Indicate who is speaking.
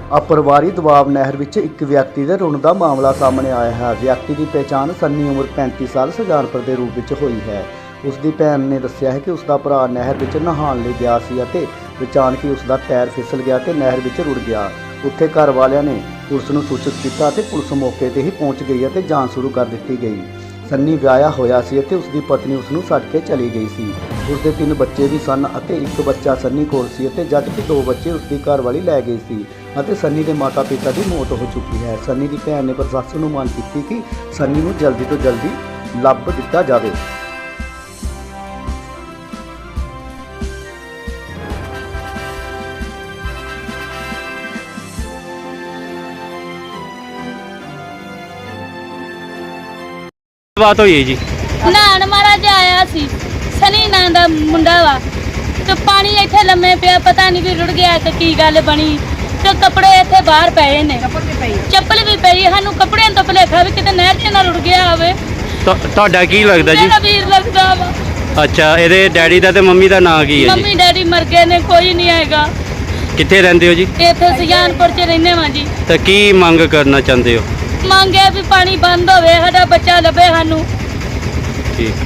Speaker 1: अपरिवारी दबाव नहर विच एक व्यक्ति के रुण का मामला सामने आया है। व्यक्ति की पहचान सन्नी उम्र 35 साल सुजानपुर के रूप में हुई है। उसकी भैन ने दस्सिया है कि उसका भरा नहर विच नहाण लई गया सी अते अचानक ही उसका पैर फिसल गया तो नहर विच रुड़ गया। उत्थे घर वालियां ने पुलिस नूं सूचित किया ते पुलिस मौके ते ही पहुंच गई अते जांच शुरू कर दी गई। सन्नी विआहिया होया सी अते उसकी पत्नी उसनूं छड्ड के चली गई सी। उसके 3 बच्चे भी सन अते एक बच्चा सन्नी कोल सी अते जबकि 2 बच्चे उसकी घरवाली लै गई सी अते सन्नी के माता पिता की मौत हो चुकी है। सन्नी की भैन ने प्रशासन नूं मांग की कि सन्नी नूं जल्दी तो जल्दी लभ दिता जाए।
Speaker 2: बात हुई है जी
Speaker 3: नान महाराज आया सी सनी नां दा मुंडा वा ते पानी इत्थे लम्मे पिया पता नहीं कि रुड़ गया कि की गल बनी ते कपड़े इत्थे बाहर पए ने चप्पल भी पई सानू कपड़ियां तो भलेखा भी किते नहर च ना रुड़ गया होवे।
Speaker 2: ਤੁਹਾਡਾ ਕੀ ਲੱਗਦਾ ਜੀ?
Speaker 3: मेरा वीर लगदा वा।
Speaker 2: ਅੱਛਾ ਇਹਦੇ ਡੈਡੀ ਦਾ ਤੇ ਮੰਮੀ ਦਾ ਨਾਂ ਕੀ ਹੈ
Speaker 3: मम्मी
Speaker 2: ਜੀ?
Speaker 3: डैडी मर गए ने कोई नहीं आएगा।
Speaker 2: ਕਿੱਥੇ ਰਹਿੰਦੇ ਹੋ ਜੀ?
Speaker 3: इत्थे सुजानपुर च रहने वा जी।
Speaker 2: ਤਾਂ ਕੀ ਮੰਗ ਕਰਨਾ ਚਾਹੁੰਦੇ ਹੋ?
Speaker 3: मांगे भी पानी बंद होवे साडा बच्चा लभे सानू।
Speaker 2: ठीक